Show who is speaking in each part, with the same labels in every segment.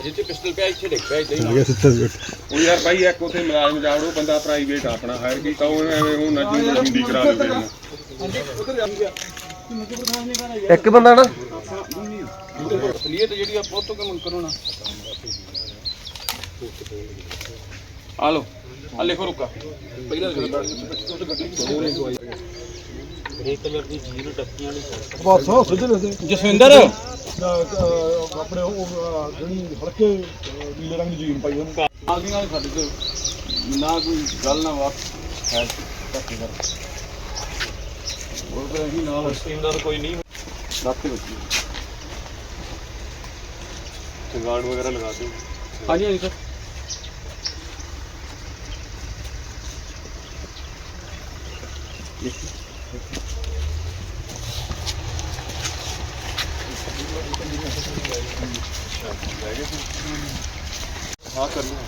Speaker 1: ਜਿੱਥੇ ਪਿਸਟਲ ਪਿਆ ਇੱਥੇ ਡਿੱਗ ਪਿਆ ਇੱਥੇ ਹੀ
Speaker 2: ਗਿਆ ਸਿੱਧਾ ਸਿੱਧਾ।
Speaker 3: ਉਹ ਯਾਰ ਭਾਈ ਇੱਕ ਉੱਥੇ ਮੁਲਾਜ਼ਮ ਜਾਵੜੋ ਬੰਦਾ ਪ੍ਰਾਈਵੇਟ ਆਪਣਾ ਹਾਇਰ ਕੀਤਾ ਉਹ ਐਵੇਂ ਉਹ ਨੱਜੀ ਹੁੰਦੀ ਕਰਾ ਲਵੇ
Speaker 4: ਇੱਕ ਬੰਦਾ ਨਾ
Speaker 1: ਅਸਲੀਅਤ ਜਿਹੜੀ ਆ ਬਹੁਤ ਤੋਂ ਕੰਮ ਕਰੋ ਨਾ ਆ ਲੋ ਆ ਲਿਖੋ ਰੁਕਾ ਪਹਿਲਾਂ
Speaker 5: ਗ੍ਰੇ ਕਲਰ ਦੀ ਜੀਨ ਟੱਕੀਆਂ ਵਾਲੀ
Speaker 2: ਬਸ ਸਿੱਧੇ ਨੇ
Speaker 1: ਜਸਵਿੰਦਰ
Speaker 2: ਆਪਣੇ ਉਹ ਜਿਹੜੀ ਹਲਕੇ ਨੀਲੇ ਰੰਗ ਦੀ ਜੀਨ ਪਾਈ ਉਹਨੂੰ
Speaker 1: ਨਾਲ ਦੀ ਨਾਲ ਸਾਡੇ ਤੋਂ ਨਾ ਕੋਈ ਗੱਲ ਨਾ ਬਾਤ ਹੈ ਧੱਕੇ ਕਰ ਉਹ ਤਾਂ ਅਸੀਂ ਨਾਲ
Speaker 5: ਟੀਮ ਦਾ ਕੋਈ ਨਹੀਂ
Speaker 1: ਰੱਖ ਕੇ ਬੱਚੀ
Speaker 5: ਗਾਰਡ ਵਗੈਰਾ ਲਗਾ ਦਿਓ
Speaker 1: ਹਾਂਜੀ ਹਾਂਜੀ ਸਰ
Speaker 3: ਹਾਂ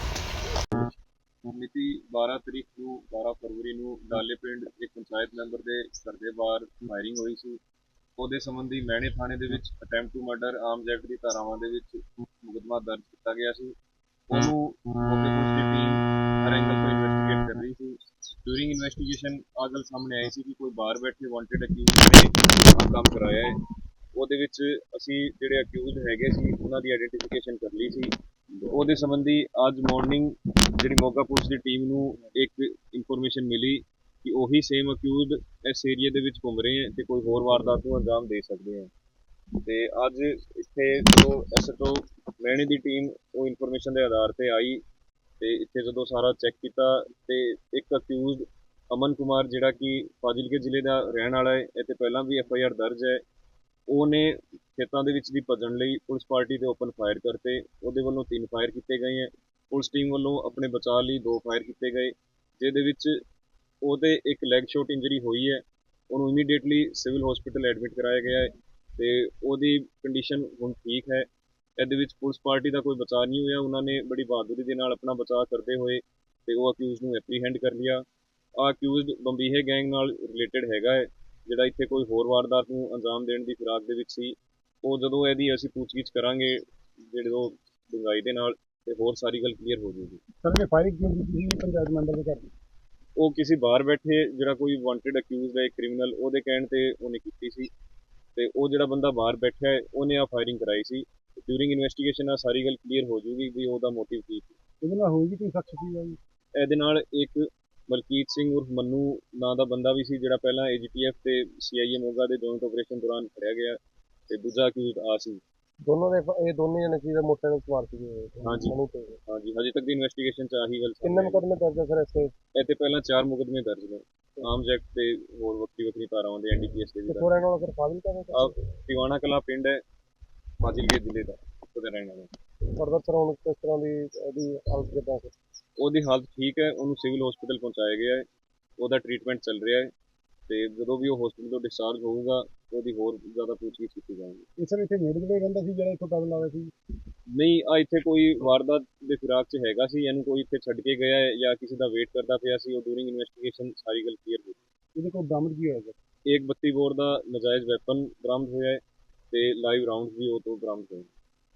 Speaker 3: ਕਰਨਾ ਮਿਤੀ 12 ਤਰੀਕ ਨੂੰ 12 ਫਰਵਰੀ ਨੂੰ ਡਾਲੇ ਪਿੰਡ ਇੱਕ ਪੰਚਾਇਤ ਮੈਂਬਰ ਦੇ ਘਰ ਦੇ ਬਾਹਰ ਫਾਇਰਿੰਗ ਹੋਈ ਸੀ। ਉਹਦੇ ਸੰਬੰਧੀ ਮੈਣੇ ਥਾਣੇ ਦੇ ਵਿੱਚ attempt to murder arms act ਦੀ ਧਾਰਾਵਾਂ ਦੇ ਵਿੱਚ ਮੁਕੱਦਮਾ ਦਰਜ ਕੀਤਾ ਗਿਆ ਸੀ। ਉਹਨੂੰ ਮੌਕੇ ਪੁਲਿਸ ਦੀ ਟੀਮ ਹਰ ਐਂਗਲ ਤੋਂ ਇਨਵੈਸਟੀਗੇਟ ਕਰ ਰਹੀ ਸੀ। ਡਿਊਰਿੰਗ ਇਨਵੈਸਟੀਗੇਸ਼ਨ ਆਹ ਗੱਲ ਸਾਹਮਣੇ ਆਈ ਸੀ ਕਿ ਕੋਈ ਬਾਹਰ ਬੈਠੇ ਵਾਂਟਡ ਅਕਿਊਜ਼ਡ ਨੇ ਆਹ ਕੰਮ ਕਰਾਇਆ ਹੈ। ਉਹਦੇ ਵਿੱਚ ਅਸੀਂ ਜਿਹੜੇ ਅਕਿਊਜ਼ਡ ਹੈਗੇ ਸੀ ਉਹਨਾਂ ਦੀ ਆਈਡੈਂਟੀਫਿਕੇਸ਼ਨ ਕਰ ਲਈ ਸੀ। ਉਹਦੇ ਸੰਬੰਧੀ ਅੱਜ ਮਾਰਨਿੰਗ ਜਿਹੜੀ ਮੋਗਾ ਪੁਲਿਸ ਦੀ ਟੀਮ ਨੂੰ ਇੱਕ ਇਨਫੋਰਮੇਸ਼ਨ ਮਿਲੀ ਕਿ ਉਹੀ ਸੇਮ ਅਕਿਊਜ਼ਡ ਇਸ ਏਰੀਏ ਦੇ ਵਿੱਚ ਘੁੰਮ ਰਹੇ ਹੈ ਤੇ ਕੋਈ ਹੋਰ ਵਾਰਦਾਤ ਨੂੰ ਅੰਜਾਮ ਦੇ ਸਕਦੇ ਹੈ। ਤੇ ਅੱਜ ਇੱਥੇ ਜੋ ਐਸਐਚਓ ਮੈਣੇ ਦੀ ਟੀਮ ਉਹ ਇਨਫੋਰਮੇਸ਼ਨ ਦੇ ਆਧਾਰ ਤੇ ਆਈ ਤੇ ਇੱਥੇ ਜਦੋਂ ਸਾਰਾ ਚੈੱਕ ਕੀਤਾ ਤੇ ਇੱਕ ਅਕਿਊਜ਼ਡ ਅਮਨ ਕੁਮਾਰ ਜਿਹੜਾ ਕਿ ਫਾਜ਼ਿਲਕੇ ਜ਼ਿਲ੍ਹੇ ਦਾ ਰਹਿਣ ਵਾਲਾ ਹੈ, ਇਹ ਤੇ ਪਹਿਲਾਂ ਵੀ FIR ਦਰਜ ਹੈ। ਉਹਨੇ ਖੇਤਾਂ ਦੇ ਵਿੱਚ ਦੀ ਭੱਜਣ ਲਈ ਪੁਲਿਸ ਪਾਰਟੀ ਤੇ ਓਪਨ ਫਾਇਰ ਕਰਤੇ। ਉਹਦੇ ਵੱਲੋਂ 3 ਫਾਇਰ ਕੀਤੇ ਗਏ ਹੈ। ਪੁਲਿਸ ਟੀਮ ਵੱਲੋਂ ਆਪਣੇ ਬਚਾਅ ਲਈ 2 ਫਾਇਰ ਕੀਤੇ ਗਏ ਜਿਹਦੇ ਵਿੱਚ ਉਹਦੇ ਇੱਕ ਲੈਗ ਸ਼ਾਟ ਇੰਜਰੀ ਹੋਈ ਹੈ। ਉਹਨੂੰ ਇਮੀਡੀਏਟਲੀ ਸਿਵਲ ਹਸਪੀਟਲ ਐਡਮਿਟ ਕਰਾਇਆ ਗਿਆ ਹੈ ਤੇ ਉਹਦੀ ਕੰਡੀਸ਼ਨ ਹੁਣ ਠੀਕ ਹੈ। ਇਹਦੇ ਵਿੱਚ ਪੁਲਿਸ ਪਾਰਟੀ ਦਾ ਕੋਈ ਬਚਾਅ ਨਹੀਂ ਹੋਇਆ। ਉਹਨਾਂ ਨੇ ਬੜੀ ਬਹਾਦਰੀ ਦੇ ਨਾਲ ਆਪਣਾ ਬਚਾਅ ਕਰਦੇ ਹੋਏ ਤੇ ਉਹ ਅਕਿਊਜ਼ਡ ਨੂੰ ਐਪਰੀਹੈਂਡ ਕਰ ਲਿਆ। ਆਹ ਅਕਿਊਜ਼ਡ ਬੰਬੀਹੇ ਗੈਂਗ ਨਾਲ ਰਿਲੇਟਡ ਹੈਗਾ ਹੈ ਜਿਹੜਾ ਇੱਥੇ ਕੋਈ ਹੋਰ ਵਾਰਦਾਤ ਨੂੰ ਅੰਜਾਮ ਦੇਣ ਦੀ ਫਿਰਾਕ ਦੇ ਵਿੱਚ ਸੀ। ਉਹ ਜਦੋਂ ਇਹਦੀ ਅਸੀਂ ਪੁੱਛਗਿੱਛ ਕਰਾਂਗੇ ਜਿਹੜੇ ਉਹ ਡੂੰਘਾਈ ਦੇ ਨਾਲ ਤੇ ਹੋਰ ਸਾਰੀ ਗੱਲ ਕਲੀਅਰ ਹੋ ਜਾਊਗੀ।
Speaker 2: ਸਰ ਨੇ ਫਾਇਰਿੰਗ ਕਿਉਂ ਕੀਤੀ ਸੀ ਪੰਚਾਇਤ ਮੈਂਬਰ ਦੇ ਘਰ?
Speaker 3: ਉਹ ਕਿਸੇ ਬਾਹਰ ਬੈਠੇ ਜਿਹੜਾ ਕੋਈ ਵਾਂਟਡ ਅਕਿਊਜ਼ਡ ਹੈ ਕ੍ਰਿਮੀਨਲ ਉਹਦੇ ਕਹਿਣ ਤੇ ਉਹਨੇ ਕੀਤੀ ਸੀ ਤੇ ਉਹ ਜਿਹੜਾ ਬੰਦਾ ਬਾਹਰ ਬੈਠਾ ਹੈ ਉਹਨੇ ਆ ਫਾਇਰਿੰਗ ਕਰਾਈ ਸੀ। ਡਿਊਰਿੰਗ ਇਨਵੈਸਟੀਗੇਸ਼ਨ ਆ ਸਾਰੀ ਗੱਲ ਕਲੀਅਰ ਹੋ ਜਾਊਗੀ ਵੀ ਉਹਦਾ ਮੋਟਿਵ ਕੀ ਸੀ।
Speaker 2: ਇਹਦੇ ਨਾਲ ਹੋਊਗੀ ਕੋਈ ਸ਼ਖਸ ਸੀ ਜੀ?
Speaker 3: ਇਹਦੇ ਨਾਲ ਇੱਕ ਮਲਕੀਤ ਸਿੰਘ ਉਰਫ ਮੰਨੂ ਨਾਂ ਦਾ ਬੰਦਾ ਵੀ ਸੀ ਜਿਹੜਾ ਪਹਿਲਾਂ AGTF ਤੇ CIA ਮੋਗਾ ਦੇ ਜੁਆਇੰਟ ਆਪਰੇਸ਼ਨ ਦੌਰਾਨ ਫੜਿਆ ਗਿਆ ਤੇ ਦੂਜਾ ਅਕਿਊਜ਼ਡ ਆ ਸੀ।
Speaker 4: ਦੋਨੋਂ ਦੇ ਇਹ ਦੋਨੇ ਜਣੇ ਸੀ ਮੋਟੇ ਦੇ ਸਵਾਰ ਸੀਗੇ
Speaker 3: ਹਾਂਜੀ ਹਾਂਜੀ ਹਜੇ ਤੱਕ ਦੀ ਇਨਵੈਸਟੀਗੇਸ਼ਨ ਚ ਆਹੀ ਗੱਲ
Speaker 4: ਕਿੰਨੇ ਮੁਕੱਦਮੇ ਦਰਜ ਹੈ ਸਰ ਇੱਥੇ?
Speaker 3: ਇਹ ਤੇ ਪਹਿਲਾਂ 4 ਮੁਕੱਦਮੇ ਦਰਜ ਨੇ ਆਰਮਜ਼ ਐਕਟ ਤੇ ਹੋਰ ਵੱਖਰੀ ਧਾਰਾਵਾਂ ਦੇ NDPS ਦੇ ਵੀ
Speaker 4: ਕਿੱਥੋਂ ਰਹਿਣ ਵਾਲਾ ਸਰ? ਫਾਜ਼ਿਲਕਾ ਦਾ?
Speaker 3: ਟਿਵਾਣਾ ਕਲਾਂ ਪਿੰਡ ਹੈ ਫਾਜ਼ਿਲਕੇ ਜ਼ਿਲ੍ਹੇ ਦਾ ਉਹਦਾ ਰਹਿਣ ਵਾਲਾ।
Speaker 4: ਫਰਦਰ ਸਰ ਹੁਣ ਕਿਸ ਤਰ੍ਹਾਂ ਦੀ ਇਹਦੀ ਹਾਲਤ ਕਿੱਦਾਂ ਸਰ?
Speaker 3: ਉਹਦੀ ਹਾਲਤ ਠੀਕ ਹੈ। ਉਹਨੂੰ ਸਿਵਲ ਹਸਪੀਟਲ ਪਹੁੰਚਾਇਆ ਗਿਆ ਹੈ। ਉਹਦਾ ਟ੍ਰੀਟਮੈਂਟ ਚੱਲ ਰਿਹਾ ਹੈ ਤੇ ਜਦੋਂ ਵੀ ਉਹ ਹਸਪੀਟਲ ਤੋਂ ਡਿਸਚਾਰਜ ਹੋਊਗਾ ਉਹਦੀ ਹੋਰ ਜ਼ਿਆਦਾ ਪੁੱਛਗਿੱਛ ਕੀਤੀ ਜਾਊਗੀ।
Speaker 2: ਇਹ ਸਰ ਇੱਥੇ ਨੇੜੇ ਰਹਿੰਦਾ ਸੀ ਜਿਹੜਾ ਇੱਥੋਂ ਪੈਦਲ ਆਇਆ ਸੀ?
Speaker 3: ਨਹੀਂ ਆ ਇੱਥੇ ਕੋਈ ਵਾਰਦਾਤ ਦੇ ਫਿਰਾਕ 'ਚ ਹੈਗਾ ਸੀ। ਇਹਨੂੰ ਕੋਈ ਇੱਥੇ ਛੱਡ ਕੇ ਗਿਆ ਹੈ ਜਾਂ ਕਿਸੇ ਦਾ ਵੇਟ ਕਰਦਾ ਪਿਆ ਸੀ। ਉਹ ਡਿਊਰਿੰਗ ਇਨਵੈਸਟੀਗੇਸ਼ਨ ਸਾਰੀ ਗੱਲ ਕਲੀਅਰ ਹੋਈ।
Speaker 2: ਇਹਦੇ ਕੋਲ ਬਰਾਮਦ ਕੀ ਹੋਇਆ ਸਰ?
Speaker 3: ਇੱਕ 32 ਬੋਰ ਦਾ ਨਜਾਇਜ਼ ਵੈਪਨ ਬਰਾਮਦ ਹੋਇਆ ਹੈ ਤੇ ਲਾਈਵ ਰਾਉਂਡ ਵੀ ਉਹ ਤੋਂ ਬਰਾਮਦ ਹੋਏ।